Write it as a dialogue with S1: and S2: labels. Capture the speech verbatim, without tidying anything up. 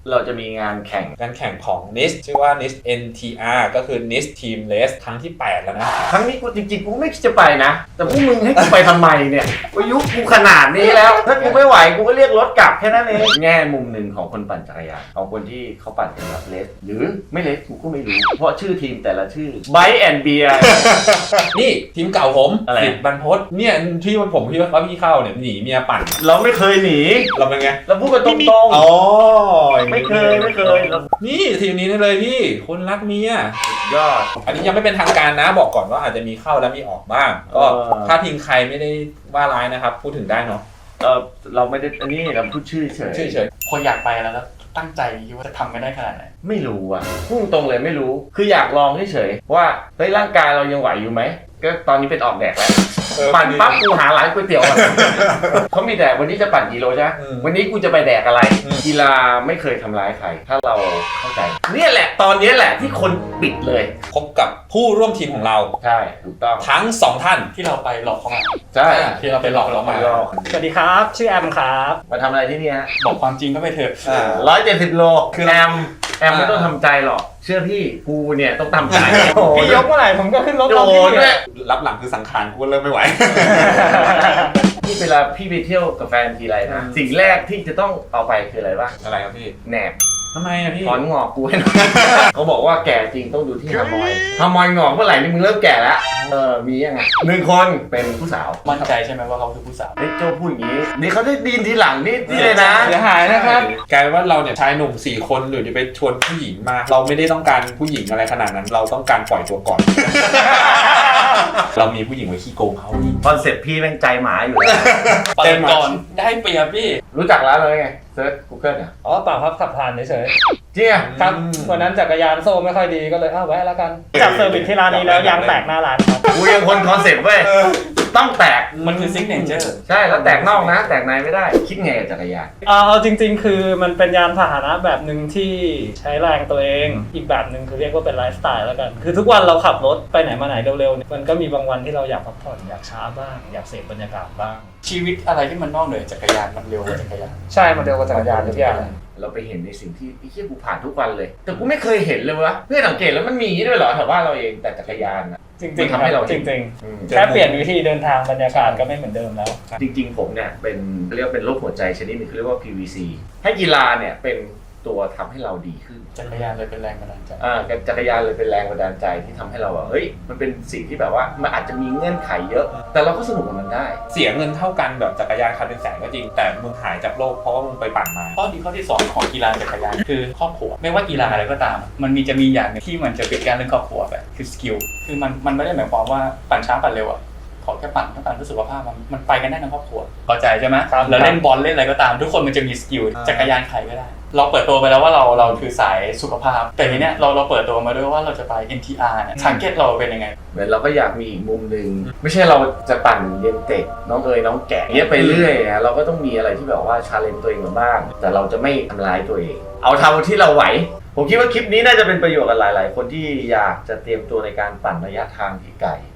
S1: เราจะมีงานแข่ง
S2: การแข่งของ เอ็น ไอ เอส ชื่อว่า เอ็น ไอ เอส เอ็น ที อาร์ ก็คือ เอ็น ไอ เอส Team Race ครั้งที่แปดแล้วนะ
S1: ครั้งนี้กูจริงๆกูไม่คิดจะไปนะแต่พวกมึงให้กูไปทำไมเนี่ยอายุกูขนาดนี้แล้วถ้ากูไม่ไหวกูก็เรียกรถกลับแค่นั้นเองแง่มุมหนึ่งของคนปั่นจักรยานของคนที่เขาปั่นกันแบบเลสหรือไม่เลสกูก็ไม่รู้เพราะชื่อทีมแต่ละชื่อ Bike and Beer
S2: นี่ทีมเก่าผม
S1: อะไร
S2: สิทธิ์บรรพตเนี่ยที่ผมพี่ว่าพี่เข้าเนี่ยหนีเมียปั่น
S1: เราไม่เคยหนี
S2: เราเป็นไง
S1: เราพูดกันตรงๆ
S2: อ๋อ
S1: ไม่เคยไม่เคย
S2: นี่ทีมนี้นี่เลยพี่คนรักเมีย
S1: ยอด
S2: อันนี้ยังไม่เป็นทางการนะบอกก่อนว่าอาจจะมีเข้าและมีออกบ้างก็ถ้าทีมใครไม่ได้ว่าร้ายนะครับพูดถึงได้เนาะ
S1: เออเราไม่ได้อันนี้เราพูดชื่อเฉย
S2: ชื่อเฉย
S3: คนอยากไปแล้วแล้วตั้งใจคิดว่าจะทำกันได้ขนาดไหน
S1: ไม่รู้อ่ะพุ่งตรงเลยไม่รู้คืออยากลองเฉยๆว่าเฮ้ยร่างกายเรายังไหวอยู่ไหมก็ตอนนี้เป็นออกแดดแล้วปั่นปั๊บกูหาร้านก๋วยเตี๋ยวเขามีแต่วันนี้จะปั่นกิโลใช่ไหมวันนี้กูจะไปแดกอะไรกีฬาไม่เคยทำร้ายใครถ้าเราเข้าใจเนี่ยแหละตอนนี้แหละที่คนปิดเลย
S2: พบกับผู้ร่วมทีมของเรา
S1: ใช่ถูกต้อง
S2: ทั้งสองท่าน
S3: ที่เราไปหลอกเขามา
S1: ใช่
S2: ที่เราไปหลอกเขามา
S4: สวัสดีครับชื่อแอมครับ
S1: มาทำอะไรที่นี่ฮะ
S3: บอกความจริงก็ไปเถอะ
S1: ร้อยเจ็ดสิบโลคือแอมแอมไม่ต้องทำใจหรอกเชื่อพี่กูเนี่ยต้องทำใจ
S4: พี่ยกเมื่อไหร่ผมก็ขึ้นรถ
S1: โดนด้วย
S2: รับหลังคือสังขารกูเริ่มไม่ไหว
S1: พี่เวลาพี่ไปเที่ยวกับแฟนทีไรนะสิ่งแรกที่จะต้องเอาไปคืออะไรบ้าง
S2: อะไรครับพี่
S1: แหนบ
S2: ทำไมอะพี่
S1: ถอนงอกกูให้หน่อยเขาบอกว่าแก่จริงต้องดูที่ฮามอยฮามอยงอกเมื่อไหร่นี่มึงเริ่มแก่แล้วเออมียังไงหนึ่งคนเป็นผู้สาว
S3: มั่นใจใช่ไหมว่าเขาคือผู้สาว
S1: เฮ้ยโจ้พูดอย่างนี้นี่เขาได้ดีนทีหลังนี่นี่เลยนะ
S2: เสียหายนะครับกลายเป็นว่าเราเนี่ยชายหนุ่มสี่คนหรือจะไปชวนผู้หญิงมาเราไม่ได้ต้องการผู้หญิงอะไรขนาดนั้นเราต้องการปล่อยตัวก่อนเรามีผู้หญิงไว้ขี้โกงเขา
S1: คอนเซ็ปต์พี่แม่งใจหมาอยู่แล้ว
S3: เปิดก่อนได้เปรียบพี่
S1: รู้จักร้านเลยไงเซิร์ช Google อ่ะ
S4: อ๋อเปล่าครับขับผ่านเฉย
S1: ๆจริงอ่ะ
S4: ครับวันนั้นจักรยานโซ่ไม่ค่อยดีก็เลยอ้าวแวะแล้วกันจับเซอร์วิสที่ร้านนี้แล้วยางแตกหน้าร้านครับ
S1: กูยังคนคอนเซ็ปต์เว้ยต้องแตก
S3: มันคือซิกเนเจอร์
S1: ใช่แล้วแตกนอกนะแตกในไม่ได้คิดไงกับจักรยาน
S4: เอาจริงๆคือมันเป็นยานพาหนะแบบหนึ่งที่ใช้แรงตัวเองอีกแบบหนึ่งคือเรียกว่าเป็นไลฟ์สไตล์แล้วกันคือทุกวันเราขับรถไปไหนมาไหนเร็วๆมันก็มีบางวันที่เราอยากพักผ่อนอยากช้าบ้างอยากเสพบรรยากาศบ้าง
S3: ชีวิตอะไรที่มันนอกเหนือจักรยานมันเร็วกว่าจักรยาน
S4: ใช่มันเร็วกว่าจักรยานทุกอย่าง
S1: เราไปเห็นในสิ่งที่ไอ้เหี้ยกูผ่านทุกวันเลยแต่กูไม่เคยเห็นเลยวะเพื่อสังเกตแล้วมันมีด้วยเหรอแถวบ้านเราเองแต่จักรยานอะ
S4: จริงๆทำให้เราจริงๆแค่เปลี่ยนวิธีเดินทางบรรยากาศก็ไม่เหมือนเดิมแล้ว
S1: จริงๆผมเนี่ยเป็นเรียกว่าเป็นโรคหัวใจชนิดหนึงเรียกว่า พี วี ซี ให้กีฬาเนี่ยเป็นตัวทำให้เราดีขึ้น
S3: จักรยานเลยเป็นแรงบันดาลใจ
S1: อ่าจักรยานเลยเป็นแรงบันดาลใจที่ทำให้เราแบบเฮ้ยมันเป็นสิ่งที่แบบว่ามันอาจจะมีเงื่อนไขเยอะแต่เราก็สนุกกับมันได้
S2: เสียเงินเท่ากันแบบจักรยานคันเป็นแสนก็จริงแต่มึงหายจากโลกเพราะว่ามึงไปปั่นมา
S3: ข้อดีข้อที่สองของกีฬาจักรยานคือครอบครัวไม่ว่ากีฬาอะไรก็ตามมันมีจะมีอย่างนึงที่มันจะปิดกั้นเรื่องครอบครัวไปคือสกิลคือมันมันไม่ได้หมายความว่าปั่นช้าปั่นเร็วอะขอแค่ปั่นต้องการรู้สึกว่าภาพมันมันไปกันได้ทั้งครอบครัวเข้าใจใช่ไหมแล้วเล่นบอลเล่นอะไรก็ตามทุกคนมันจะมีสกิลจักรยานใครก็ได้เราเปิดตัวไปแล้วว่าเราเราคือสายสุขภาพแต่ทีเนี้ยเราเราเปิดตัวมาด้วยว่าเราจะไป เอ็น ที อาร์ เนี่ยทาร์เก็ตเราเป็นยังไง
S1: เหมือนเราก็อยากมีอีกมุมนึงไม่ใช่เราจะปั่นเย็นเตกน้องเอ๋ยน้องแกะเงี้ยไปเรื่อยนะเราก็ต้องมีอะไรที่แบบว่าชาเลนจ์ตัวเองมาบ้างแต่เราจะไม่ทำร้ายตัวเองเอาเท่าที่เราไหวผมคิดว่าคลิปนี้น่าจะเป็นประโยชน์กับหลายๆคนที่อยากจะเตรียมตัวในการปั่นระยะทางที่ไกล